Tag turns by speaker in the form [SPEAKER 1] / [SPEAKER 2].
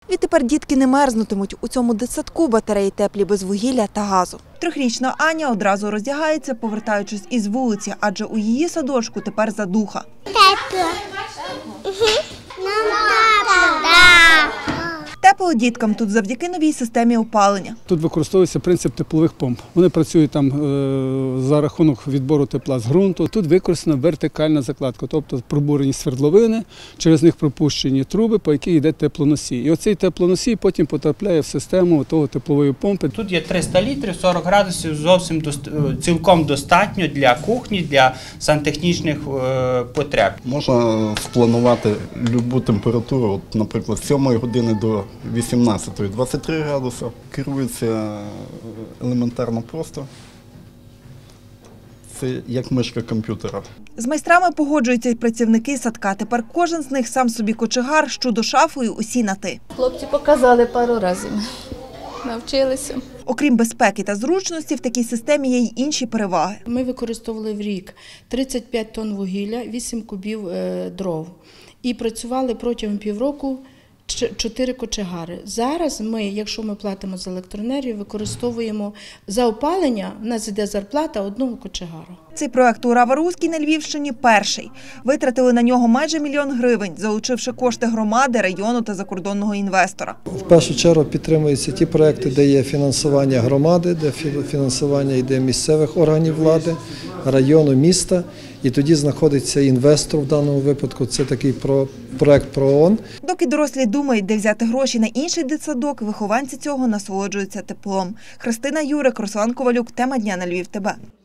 [SPEAKER 1] Відтепер дітки не мерзнутимуть. У цьому дитсадку батареї теплі без вугілля та газу. Трьохрічна Аня одразу роздягається, повертаючись із вулиці, адже у її садочку тепер задуха.
[SPEAKER 2] Тепло.
[SPEAKER 1] Тепло діткам тут завдяки новій системі опалення.
[SPEAKER 3] Тут використовується принцип теплових помп. Вони працюють там за рахунок відбору тепла з ґрунту. Тут використана вертикальна закладка, тобто пробурені свердловини, через них пропущені труби, по яких йде теплоносій. І оцей теплоносій потім потрапляє в систему того теплової помпи.
[SPEAKER 4] Тут є 300 літрів, 40 градусів, зовсім цілком достатньо для кухні, для сантехнічних потреб.
[SPEAKER 5] Можна спланувати будь-яку температуру, от, наприклад, з 7 години до 18-ї 23 градуси. Керується елементарно просто. Це як мишка комп'ютера.
[SPEAKER 1] З майстрами погоджуються й працівники садка. Тепер кожен з них сам собі кочегар, щодо шафою усі на «ти».
[SPEAKER 6] Хлопці показали пару разів, навчилися.
[SPEAKER 1] Окрім безпеки та зручності, в такій системі є й інші переваги.
[SPEAKER 7] Ми використовували в рік 35 тонн вугілля, 8 кубів дров. І працювали протягом півроку 4 кочегари. Зараз ми, якщо ми платимо за електроенергію, використовуємо за опалення, в нас йде зарплата одного кочегару.
[SPEAKER 1] Цей проект у Рава-Руській на Львівщині перший. Витратили на нього майже 1 мільйон гривень, залучивши кошти громади, району та закордонного інвестора.
[SPEAKER 8] В першу чергу підтримуються ті проекти, де є фінансування громади, де фінансування йде місцевих органів влади, району, міста. І тоді знаходиться інвестор в даному випадку, це такий проект ПРООН.
[SPEAKER 1] Доки дорослі думають, де взяти гроші на інший дитсадок, вихованці цього насолоджуються теплом. Христина Юрик, Руслан Ковалюк. Тема дня на Львів ТБ.